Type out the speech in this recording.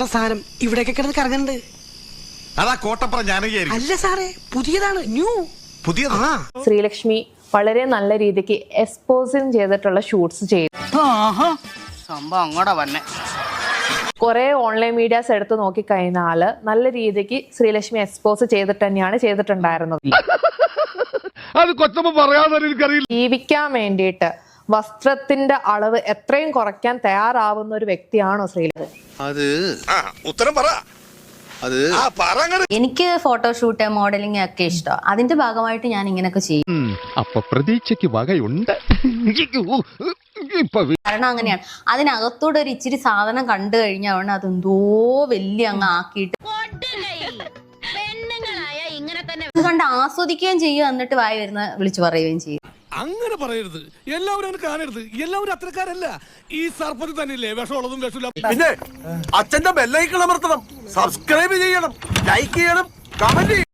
സാധനം ഇവിടെയൊക്കെ കിടന്ന് കറങ്ങുന്നുണ്ട്. അതാ കോട്ടപ്പുറം ജാനകിയായിരിക്കും. അല്ല സാറേ, പുതിയതാണ്, ന്യൂ. പുതിയതാ. ശ്രീലക്ഷ്മി വളരെ നല്ല രീതിക്ക് എക്സ്പോസിങ് ചെയ്തിട്ടുള്ള ഷൂട്ട്സ് ചെയ്തു. സംഭവം അങ്ങോട്ടാ വന്നെ. കുറെ ഓൺലൈൻ മീഡിയാസ് എടുത്ത് നോക്കിക്കഴിഞ്ഞാല് നല്ല രീതിക്ക് ശ്രീലക്ഷ്മി എക്സ്പോസ് ചെയ്തിട്ട് തന്നെയാണ് ചെയ്തിട്ടുണ്ടായിരുന്നത്. അത് കൊച്ചമ്മ പറയാതെ എനിക്കറിയില്ല. ജീവിക്കാൻ വേണ്ടിയിട്ട് വസ്ത്രത്തിന്റെ അളവ് എത്രയും കുറയ്ക്കാൻ തയ്യാറാവുന്ന ഒരു വ്യക്തിയാണോ ശ്രീലക്ഷ്മി? അത് ഉത്തരം പറ. അത് എനിക്ക് ഫോട്ടോഷൂട്ട് മോഡലിംഗ് ഒക്കെ ഇഷ്ടം. അതിന്റെ ഭാഗമായിട്ട് ഞാൻ ഇങ്ങനെയൊക്കെ ചെയ്യും. അപ്പൊ പ്രതീക്ഷയ്ക്ക് വകയുണ്ട്. കാരണം അങ്ങനെയാണ്. അതിനകത്തൂടെ ഒരു ഇച്ചിരി സാധനം കണ്ടു കഴിഞ്ഞാൽ അതെന്തോ വലിയ അങ്ങ് ആക്കിയിട്ട് ഇത് കണ്ട് ആസ്വദിക്കുകയും ചെയ്യും. എന്നിട്ട് വായി വരുന്ന വിളിച്ചു പറയുകയും ചെയ്യും. അങ്ങനെ പറയരുത്. എല്ലാവരും അങ്ങനെ കാണരുത്. എല്ലാവരും അത്രക്കാരല്ല. ഈ സർപ്പത്തിൽ തന്നെയല്ലേ വിഷമുള്ളതും വിഷമില്ല. പിന്നെ അച്ഛന്റെ ബെല്ലൈക്കൺ അമർത്തണം, സബ്സ്ക്രൈബ് ചെയ്യണം, ലൈക്ക് ചെയ്യണം, കമന്റ് ചെയ്യണം.